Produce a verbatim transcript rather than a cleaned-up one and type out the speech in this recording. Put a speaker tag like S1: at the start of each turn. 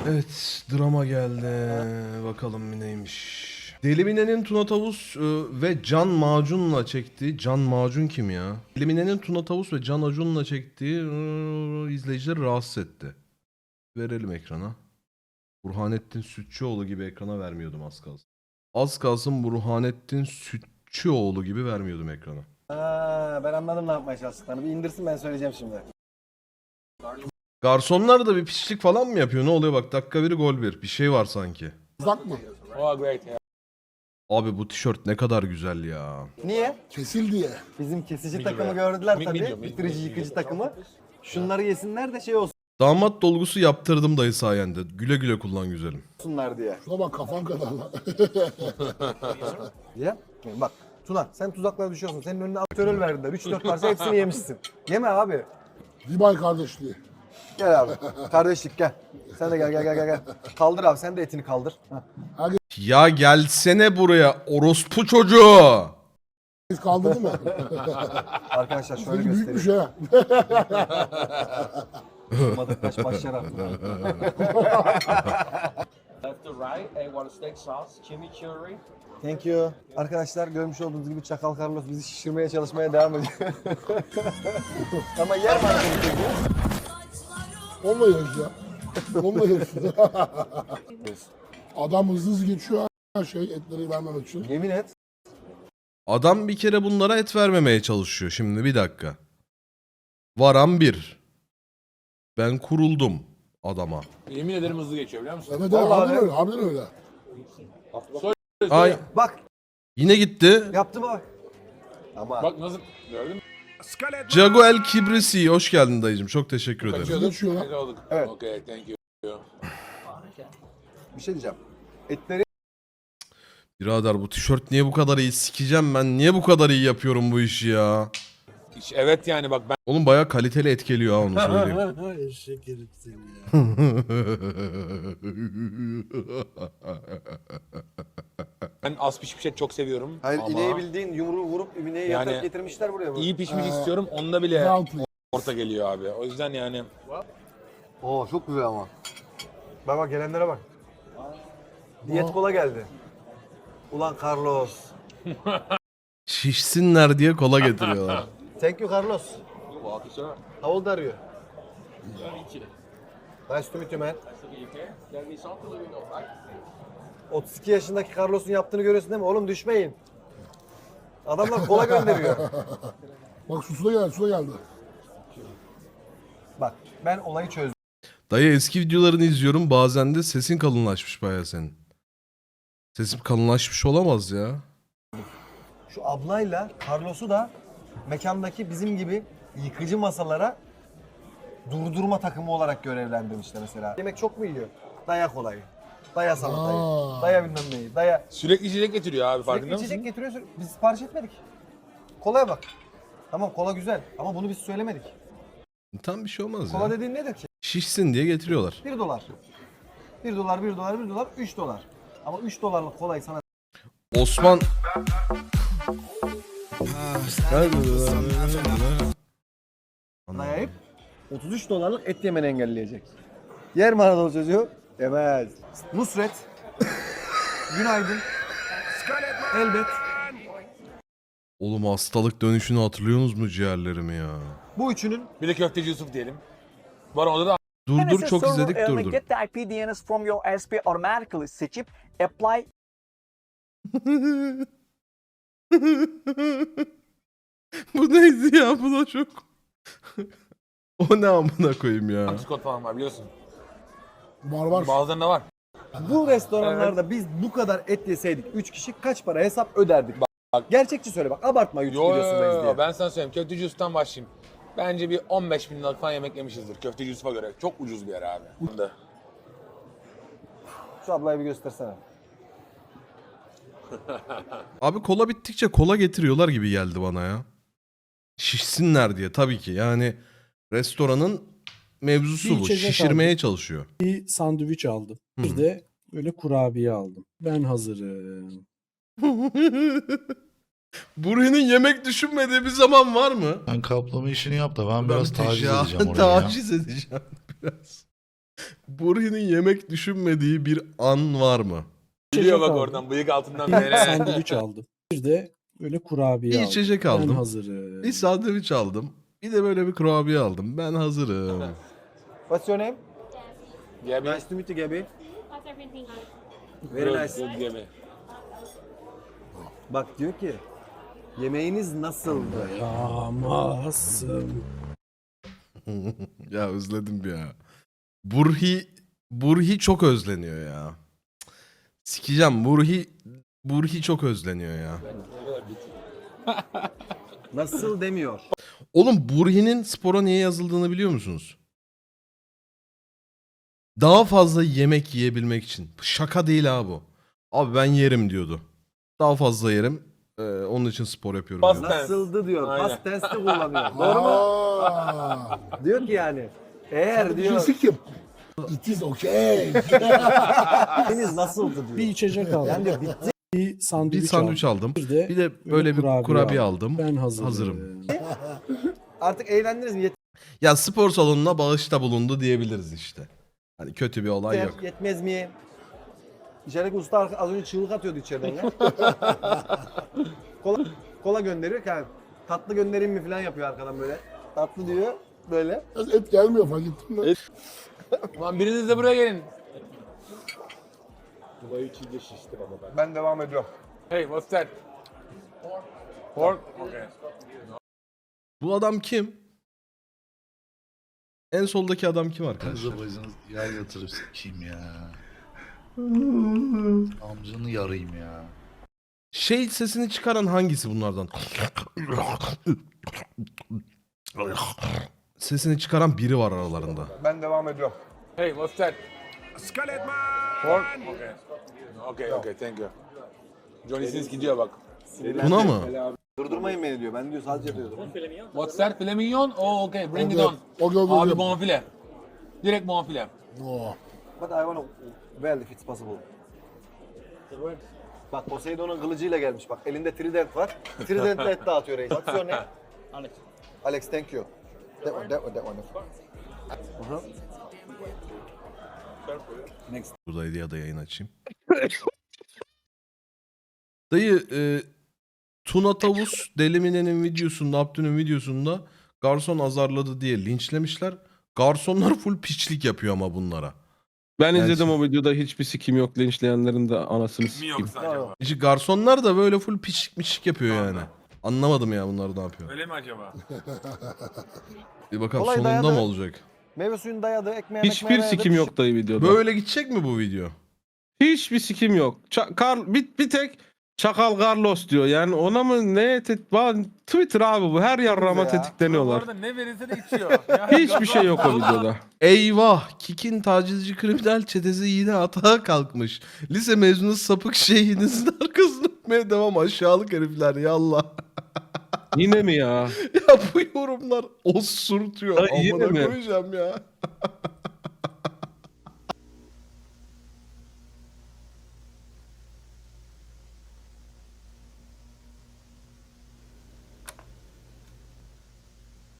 S1: Evet, drama geldi. Bakalım neymiş. Deli Mine'nin Tuna Tavus e, ve Can Macun'la çektiği... Can Macun kim ya? Deli Mine'nin Tuna Tavus ve Can Acun'la çektiği e, izleyicileri rahatsız etti. Verelim ekrana. Burhanettin Sütçüoğlu gibi ekrana vermiyordum az kalsın. Az kalsın Burhanettin Sütçüoğlu gibi vermiyordum ekrana.
S2: Ha, ben anladım ne yapmaya çalıştıklarını. Bir indirsin, ben söyleyeceğim şimdi.
S1: Garsonlar da bir pislik falan mı yapıyor? Ne oluyor bak, dakika biri gol bir. Bir şey var sanki.
S3: Uzak mı?
S4: Oh, great. Yeah.
S1: Abi bu tişört ne kadar güzel ya.
S2: Niye?
S3: Kesil diye.
S2: Bizim kesici takımı gördüler tabii.
S4: medium,
S2: Bitirici yıkıcı takımı. Şunları yesinler de şey
S1: Damat dolgusu yaptırdım dayı sayende. Güle güle kullan güzelim.
S2: olsunlar diye.
S3: Şuna bak kafan kadar lan.
S2: Diye. Bak Tuna, sen tuzaklara düşüyorsun. Senin önüne aktörel verdiler. üç dört parça hepsini yemişsin. Yeme abi.
S3: Dibay kardeşliği.
S2: Gel abi. Kardeşlik gel. Sen de gel gel gel gel. gel. Kaldır abi, sen de etini kaldır. Heh.
S1: Ya gelsene buraya orospu çocuğu.
S3: Biz kaldırdı mı?
S2: Arkadaşlar şöyle
S3: Seni büyükmüş
S2: göstereyim.
S3: ha.
S2: Olmadı kaç başlar attı.
S4: Left to right, a water steak sauce, chimichurri.
S2: Thank you. Arkadaşlar görmüş olduğunuz gibi Çakal Carlos bizi şişirmeye çalışmaya devam ediyor. Ama yer mi arkadaşlar?
S3: Onunla yarış ya. Onunla yarış. Adam hızlı hızlı geçiyor her şey etleri vermemek için.
S2: Yemin et.
S1: Adam bir kere bunlara et vermemeye çalışıyor. Şimdi bir dakika. Varan bir. Ben kuruldum adama.
S4: Yemin ederim hızlı geçiyor biliyor musun?
S3: Evet evet
S2: Vallahi
S3: harbiden
S2: öyle.
S3: öyle. Harbiden öyle.
S1: Ay
S2: Bak
S1: yine gitti.
S2: yaptı bak. Ama
S4: Bak nasıl gördün mü?
S1: Jago El Kibrisi hoş geldin dayıcım. Çok teşekkür ederim.
S4: Kaçıyorduk.
S3: Geçiyor lan.
S4: Tekrar aldık.
S2: Evet.
S4: Okay, thank you.
S2: bir şey diyeceğim. Etleri
S1: Birader bu tişört niye bu kadar iyi? Sikeceğim ben. Niye bu kadar iyi yapıyorum bu işi ya?
S4: Hiç- Evet yani bak ben
S1: Oğlum bayağı kaliteli et geliyor ha, onu söyleyeyim.
S5: Eşek herif seni ya.
S4: ben az pişmiş et çok seviyorum.
S2: Hayır,
S4: ama
S2: ineği bildiğin yumruğu vurup ineği
S4: Yani
S2: yatırıp getirmişler buraya.
S4: iyi pişmiş istiyorum. Onda bile
S3: Well please.
S4: orta geliyor abi. O yüzden yani
S2: Oo çok güzel ama. Bak bak gelenlere bak. Diyet kola geldi. Ulan Carlos.
S1: Şişsinler diye kola getiriyorlar.
S2: Thank you Carlos.
S4: Welcome, sir.
S2: How old are you? Nice to meet you man. otuz iki yaşındaki Carlos'un yaptığını görüyorsun değil mi? Oğlum düşmeyin. Adamlar kola gönderiyor.
S3: Bak su da geldi, su da geldi.
S2: Bak ben olayı çözdüm.
S1: Dayı eski videolarını izliyorum. Bazen de sesin kalınlaşmış bayağı senin. Sesim kalınlaşmış olamaz ya.
S2: Şu ablayla Carlos'u da mekandaki bizim gibi yıkıcı masalara durdurma takımı olarak görevlendirmişler mesela. Yemek çok mu yiyor? Daya kolayı. Daya salatayı.
S3: Aa.
S2: Daya bilmem neyi. Daya.
S4: Sürekli içecek getiriyor abi farkında
S2: Sürekli içecek
S4: mısın?
S2: getiriyor. sürekli- Biz sipariş etmedik. Kolaya bak. Tamam kola güzel ama bunu biz söylemedik.
S1: Tam bir şey olmaz
S2: Kola
S1: ya.
S2: dediğin nedir ki?
S1: Şişsin diye getiriyorlar.
S2: bir dolar. bir dolar, bir dolar, bir dolar, üç dolar. Ama üç dolarlık kolayı sana
S1: Osman...
S2: dayayıp otuz üç dolarlık et yemeni engelleyecek. Yer mi Anadolu çocuğu? Yemez. Nusret. Günaydın. Elbet.
S1: Oğlum hastalık dönüşünü hatırlıyorsunuz mu ciğerlerimi ya?
S2: Bu üçünün
S4: Bir de köfteci Yusuf diyelim. Var onda da
S1: Dur dur
S6: N S S
S1: çok
S6: server
S1: izledik dur
S6: element
S1: dur.
S6: Get the I P D N S from your S P automatically seçip apply
S1: Bu neydi ya? Bu da çok... O ne amına koyayım ya?
S4: antikot falan var biliyorsun.
S3: Var var.
S4: Bazılarında var.
S2: bu restoranlarda biz bu kadar et yeseydik üç kişi kaç para hesap öderdik? Bak, Gerçekçi söyle bak, abartma YouTube
S4: Yo, yo,
S2: videosundayız
S4: yo,
S2: diye.
S4: ben sana söyleyeyim. Köfteci Yusuf'tan başlayayım. Bence bir on beş bin liralık falan yemek yemişizdir Köfteci Yusuf'a göre. Çok ucuz bir yer abi. Bunda.
S2: Şu ablayı bir göstersene.
S1: Abi kola bittikçe kola getiriyorlar gibi geldi bana ya. Şişsinler diye tabii ki. Yani restoranın mevzusu
S5: Bir
S1: bu.
S5: içecek
S1: Şişirmeye
S5: aldım.
S1: çalışıyor.
S5: Bir sandviç aldım.
S1: Hı.
S5: Bir de böyle kurabiye aldım. Ben hazırım.
S1: Burhan'ın yemek düşünmediği bir zaman var mı?
S7: Sen kaplama işini yap da ben
S1: Ben
S7: biraz taciz
S1: teca-
S7: edeceğim orayı ya.
S1: Taciz edeceğim biraz. Burhi'nin yemek düşünmediği bir an var mı?
S4: Biliyor bak
S5: aldım.
S4: oradan bıyık altından
S5: Bir
S4: nereye.
S5: sandviç aldım. Bir de böyle kurabiye
S1: Bir
S5: aldım.
S1: içecek
S5: Ben
S1: aldım.
S5: hazırım.
S1: Bir sandviç aldım. Bir de böyle bir kurabiye aldım. Ben hazırım.
S2: What's your name?
S4: Gabi.
S2: Nice to meet you, Gabi.
S7: How's everything going?
S2: Very
S4: Good,
S2: nice.
S4: good Gabi.
S2: Bak diyor ki yemeğiniz nasıldı?
S5: Yağmazsın.
S1: Ya özledim ya. Burhi Burhi çok özleniyor ya. Cık. Sikeceğim Burhi Burhi çok özleniyor ya.
S2: Nasıl demiyor.
S1: Oğlum Burhi'nin spora niye yazıldığını biliyor musunuz? Daha fazla yemek yiyebilmek için. Şaka değil ha bu. Abi ben yerim diyordu. Daha fazla yerim. Ee, onun için spor yapıyorum
S4: Past
S1: diyordu.
S4: tense.
S2: Nasıldı diyor.
S4: Aynen.
S2: Past tense'te kullanıyor. Doğru mu?
S3: Aa,
S2: Diyor ki yani. Eğer diyor
S3: Cinsi kim? It is okay.
S2: yemeğiniz nasıldı
S5: Bir
S2: diyor.
S5: içecek aldım.
S2: Yani diyor bitti.
S5: Bir sandviç,
S1: Bir sandviç aldım.
S5: Bir de,
S1: Bir de böyle bir kurabiye aldım.
S5: Ben hazırım.
S1: Hazırım.
S2: Artık eğlendiniz mi? Yeter,
S1: Ya spor salonuna bağışta bulundu diyebiliriz işte. Hani kötü bir olay yok.
S2: yetmez mi? İçerideki usta arka- az önce çığlık atıyordu içeriden ya. kola, kola gönderiyor ki yani, tatlı göndereyim mi falan yapıyor arkadan böyle. Tatlı diyor böyle.
S3: Biraz et gelmiyor fark ettin mi?
S4: Lan biriniz de buraya gelin.
S2: Ben devam ediyorum.
S4: Hey, what's that? Pork. Okay.
S1: Bu adam kim? En soldaki adam kim arkadaşlar?
S8: Kızı bacını yer yatırıp sikeyim ya. Amcanı yarayım ya.
S1: Şey sesini çıkaran hangisi bunlardan? Sesini çıkaran biri var aralarında.
S2: Ben devam ediyorum.
S4: Hey, what's that? Pork. Okay. Okay, okay, thank you. Johnny Sins gidiyor bak.
S1: Buna mı?
S2: Durdurmayın beni diyor. Ben diyor sadece diyordum.
S4: What's that? Filet mignon? Oh, okay, bring it
S3: Okay.
S4: on.
S3: Okay, okay,
S4: Abi
S3: okay.
S4: bonfile. Direkt bonfile.
S3: Oh.
S2: But I wanna well if it's possible. Bak Poseidon'un kılıcıyla gelmiş bak. Elinde trident var. Trident'le et dağıtıyor reis. What's your name? Alex. Alex, thank you. That one, that one, that one. Aha.
S1: Buradaydı ya da yayın açayım. Dayı e, Tuna Tavus Delimine'nin videosunda, Abdü'nün videosunda garson azarladı diye linçlemişler. Garsonlar full piçlik yapıyor ama bunlara.
S9: Ben
S1: Yani
S9: izledim
S1: şey-
S9: o videoda hiçbir sikim yok. Linçleyenlerin de anasını
S4: Mi
S9: sikeyim.
S4: yoksa acaba?
S1: İşte garsonlar da böyle full piçlik miçlik yapıyor yani. Anlamadım ya bunlar ne yapıyor.
S4: Öyle mi acaba?
S1: Bir bakalım
S2: Kolay
S1: sonunda
S2: dayadı.
S1: mı olacak?
S2: Meyve suyunu dayadı, ekmeğe
S9: Hiçbir
S2: ekmeğe dayadı.
S9: sikim yok dayı videoda.
S1: Böyle gidecek mi bu video?
S9: Hiçbir sikim yok. Ça- Kar bir, bir tek Çakal Carlos diyor. Yani ona mı ne tet Ba- Twitter abi bu. Her yarrama
S2: ya.
S4: Bu
S9: tetikleniyorlar.
S4: arada ne verirse de içiyor. Ya,
S9: Hiçbir şey yok o videoda.
S1: Eyvah! Kik'in tacizci kriminal çetesi yine atağa kalkmış. Lise mezunu sapık şeyinizin arkasını öpmeye devam aşağılık herifler yallah.
S9: Yine mi ya?
S1: Ya bu yorumlar osurtuyor.
S9: Ay, yine
S1: Amına
S9: mi?
S1: koyacağım ya.